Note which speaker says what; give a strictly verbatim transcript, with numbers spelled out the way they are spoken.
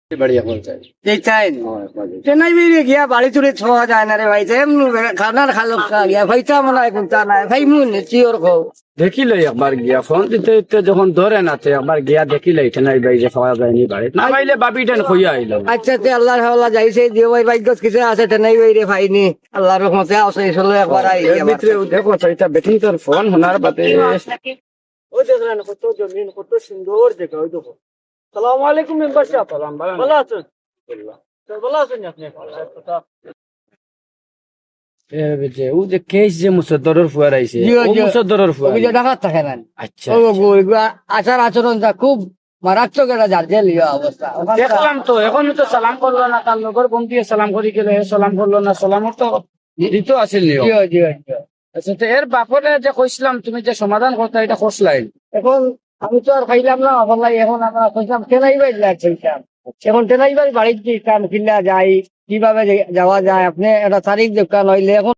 Speaker 1: बढ़िया कौन सा है?
Speaker 2: এই চাই
Speaker 1: हाँ, बढ़िया।
Speaker 2: চেন্নাই বেরিয়ে গিয়া বাড়ি চুরি ছোঁয়া যায় না রে ভাই এমন খানার খালো গিয়া ভাইটা মনে হয় কোনটা নাই ভাই মুন চিওর খো
Speaker 1: দেখি লই একবার গিয়া ফোন দিতে দিতে যখন ধরে না তে একবার গিয়া দেখি লই নাই ভাই যে খাওয়া যায়নি বাড়ি না পাইলে বাপি টেন খুইয়া আইলাম।
Speaker 2: আচ্ছা তে আল্লাহর হাওলা যাইছে দিও ভাই ভাগ্য কিছু আছে চেন্নাই বেরিয়ে ভাইনি আল্লাহর রহমতে আছে চলো একবার আই
Speaker 1: এর ভিতরে দেখো সেটা বেটিং তোর ফোন হোনার বাদে
Speaker 2: ও দেখলেন কত জমিন কত সুন্দর জায়গা ওই দেখো সালাম আলাইকুম মেম্বার সাহেব
Speaker 1: সালাম
Speaker 2: ভালো আছেন স্যার ভালো আছেন আপনি
Speaker 1: এ যে ও যে কেস যে মুসদ্দরের ফুয়ার আইছে
Speaker 2: জি,
Speaker 1: ও
Speaker 2: জি।
Speaker 1: মুসদ্দরের ফুয়ার
Speaker 2: ওই যে ডাকাত থাকে না
Speaker 1: আচ্ছা
Speaker 2: ও গো এগুলা আচার আচরণটা খুব মারাত্মক একটা জার্জেল ইয়া অবস্থা ওখানকার-
Speaker 1: দেখলাম তো এখন তো সালাম করলো না তার লগর বম দিয়ে সালাম করি গেলে সালাম করলো না সালামর তো দিত আছিল নিয়ম।
Speaker 2: জি, জি, জি।
Speaker 1: আচ্ছা তো এর বাপরে যে কইছিলাম তুমি যে সমাধান করতে এটা করছলাই
Speaker 2: এখন আমি তো আর খাইলাম না বললাই এখন আমরা কইলাম টেনাই বাড়ি লাগছিলাম এখন টেনাই বাড়ি বাড়িতে কাম কিল্লা যাই কিভাবে যাওয়া যায় আপনি একটা তারিখ দোকান হইলে এখন